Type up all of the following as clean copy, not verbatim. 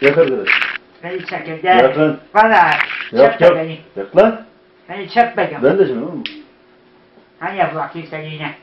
Yak arkadaş. Beni çekin Yak lan. Valla Yak çekme yak. beni. Yak lan. Beni çekme. Ben de şimdi oğlum. Hani yap bakayım sen yine.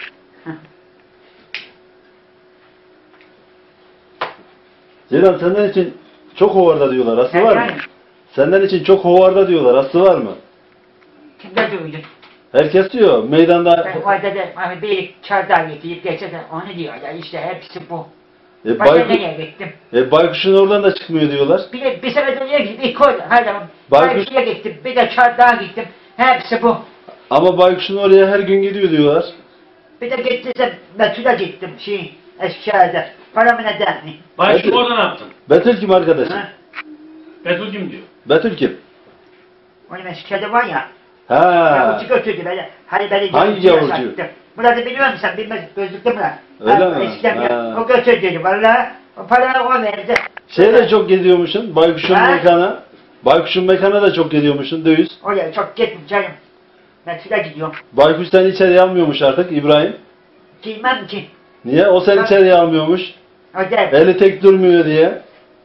Ceylan senden için çok hovarda diyorlar. Aslı var mı? Yani. Senden için çok hovarda diyorlar. Aslı var mı? Kimde duydun? Herkes diyor. Meydanda... Ben orada da hani bir çardağı getirip geçerken onu diyorlar işte hepsi bu. E, Ben de nereye gittim? baykuşun oradan da çıkmıyor diyorlar. Bir sefer de nereye gittim? İlk orada. Hadi Baykuş- Baykuş'a gittim. Bir de çardağa gittim. Hepsi bu. Ama baykuşun oraya her gün gidiyor diyorlar. Bir de gittiyse Betül'e gittim. Eskişehir'de. Paramı neden mi? Baykuş'u Betül. orada ne yaptın? Betül kim arkadaşım? Ha? Betül kim diyor? Betül kim? Onun Eskişehir'de var ya. Ha. Yavrucu götürdü beni. Hani beni Hangi yavrucu? Murat'ı biliyor musun sen? Bilmez. Gözlüklü Murat. Öyle mi? Eskiden Ha. o götürdü. Valla o parayı o verdi. Şey de çok geziyormuşsun. Baykuşun Ha? mekana. Baykuşun mekana da çok geziyormuşsun. Döviz. Oraya çok gittim canım. Betül'e gidiyorum. Baykuş seni içeriye almıyormuş artık İbrahim. Giymem ki. Niye? O seni Ha. içeriye almıyormuş. O der. Eli tek durmuyor diye.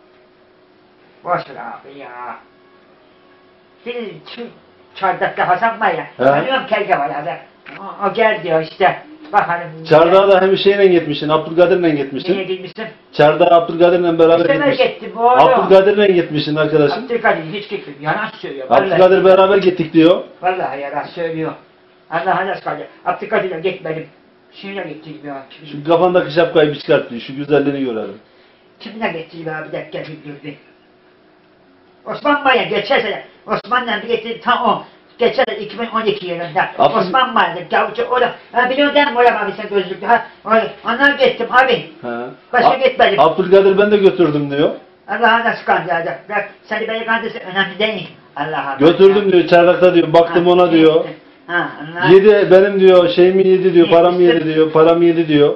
Boş ver abi ya. Şimdi şu çardakta Hasan var ya. He. Tanıyorum kelge var ya. O gel diyor işte. Bakalım. Çardağa da hem şeyle gitmişsin. Abdülkadir'le Niye gitmişsin. gitmişsin? Çardağa Abdülkadir'le beraber İşte ben gitmişsin. gittim oğlum. Abdülkadir'le gitmişsin arkadaşım. Abdülkadir hiç gitmedim. Yalan söylüyor. Abdülkadir beraber gittik diyor. Vallahi yalan söylüyor. Allah'a nasıl kaldı? Abdülkadir'le gitmedim. Şuna gittim ya. Şu kafandaki şapkayı bir çıkart diyor. Şu güzelliğini görelim. Kimine gittim ya bir dakika bildirdi. Osman Bey'e geçen sene. Osman'la bir gittim tam o. Geçen sene 2012 yılında. Abdül- Osman vardı. Gavcı orada. Ha biliyor değil mi oraya abi sen gözlüklü? Ha onlar gittim abi. Ha. Başka gitmedim. Abdülkadir ben de götürdüm diyor. Allah'a nasıl kandıracak? Bak seni beni kandırsın önemli değil. Allah'a. Götürdüm diyor çardakta diyor. Baktım ona diyor. Ha Allah. Yedi benim diyor şeyimi yedi diyor. Paramı yedi diyor. Paramı yedi diyor.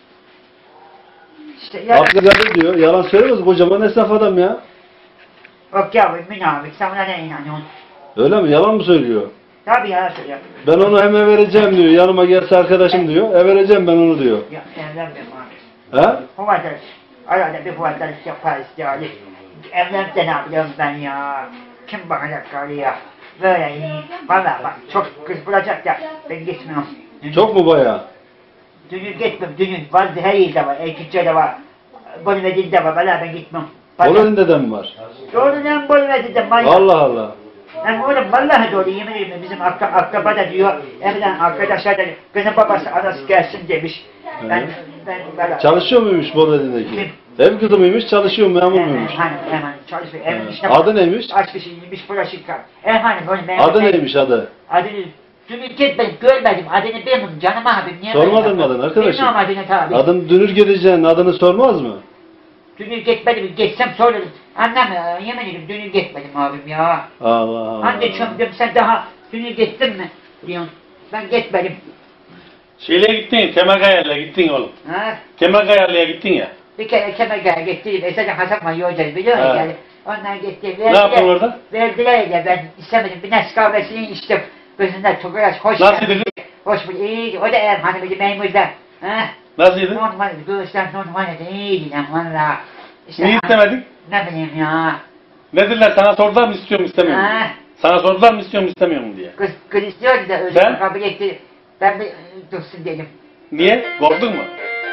İşte ya. Abdülkadir diyor. Yalan söylemez. Kocaman esnaf adam ya. Yok yavrum münafık sen buna ne inanıyorsun? Öyle mi? Yalan mı söylüyor? Tabii ya söylüyor. Ben onu hemen vereceğim diyor. Yanıma gelse arkadaşım diyor. Vereceğim ben onu diyor. Ya evlenmiyorum abi. Ha? Huvardaş. Arada bir huvardaş yaparız yani. Evlense ne yapıyorum ben ya? Kim bakacak karıya? Böyle iyi. Valla bak çok kız bulacak da ben gitmiyorum. Çok mu bayağı? Dünür gitmem dünür. Var her yerde var. Erkekçe de var. Bolvedil'de var. Valla ben gitmem. Boleli'nde de mi var? Doğrudan Bolvedil'de var. Allah Allah. Yani oğlum vallahi doğru yemin ederim bizim akraba da diyor, evden arkadaşlar da kızın babası anası gelsin demiş. Ben böyle... Çalışıyor muymuş Boleli'deki? Kim? Ev kızı mıymış? Çalışıyor mu? Memur muymuş? Hemen çalışıyor. Evin içine... Adı neymiş? Aç bir şey yemiş bulaşık kal. Hani böyle memur... Adı neymiş adı? Adını... Dünür ben görmedim. Adını bilmiyorum canım abim. Niye Sormadın böyle mı adını arkadaşım? Bilmiyorum adını tabi. Adını Dünür Gideceğin adını sormaz mı? Dünür gitmedim. Geçsem sorarım. Annem yemin ederim dünür gitmedim abim ya. Allah Allah. Anne çömdüm sen daha dünür gittin mi? Diyorsun. Ben gitmedim. Şeyle gittin, Kemerkayarlı'ya gittin oğlum. Ha? Kemerkayarlı'ya gittin ya. Bir kere Kemerkaya gittim. Esasen Hasan var yolcayı biliyor musun? Ha. Yani. Onlar gitti. Ne yaptın orada? Verdiler de ben istemedim. Bir nes kahvesini içtim. Gözünden çok hoş. Nasıldı kız? Hoş bulduk. İyiydi. O da ev hanımıydı memurda. Ha? Nasıldı? Normal. Göğüsten normaldi. İyiydi lan valla. İşte, Niye istemedin? Ne bileyim ya. Ne dediler sana sordular mı istiyor mu istemiyor mu? Ha? Sana sordular mı istiyor mu istemiyor mu diye. Kız istiyordu da öyle Sen? kabul etti. Ben bir dursun dedim. Niye? Korktun mu?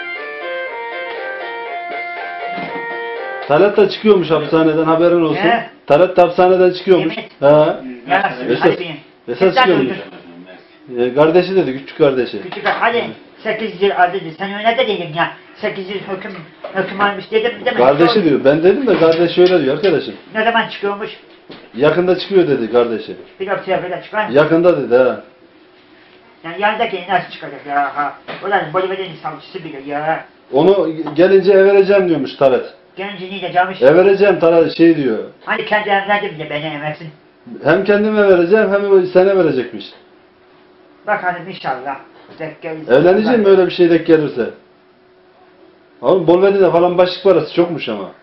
Talat da çıkıyormuş hapishaneden haberin olsun. He? Talat da hapishaneden çıkıyormuş. Yemin. He. Yalan söylüyor. Hadi Esas, benim. esas Sen çıkıyormuş. durdun. Kardeşi dedi, küçük kardeşi. Küçük hadi 8 yıl aldı dedi. Sen öyle de dedim ya. 8 yıl hüküm almış dedim değil mi? Kardeşi diyor. Ben dedim de kardeş şöyle diyor arkadaşım. Ne zaman çıkıyormuş? Yakında çıkıyor dedi kardeşi. Bir hafta böyle çıkar mı? Yakında dedi ha. Yani yanındaki nasıl çıkacak ya? Ha. Ulan Bolivya'nın savcısı bile ya. Onu gelince vereceğim diyormuş Talat. Gencini de camış. Vereceğim Talat şey diyor. Hani kendi evlendim de beni emersin. Hem kendime vereceğim hem sana verecekmiş. Bakalım inşallah. Denk gelirse. Evleneceğim mi öyle bir şey denk gelirse? Oğlum Bolvedi'de falan başlık parası çokmuş ama.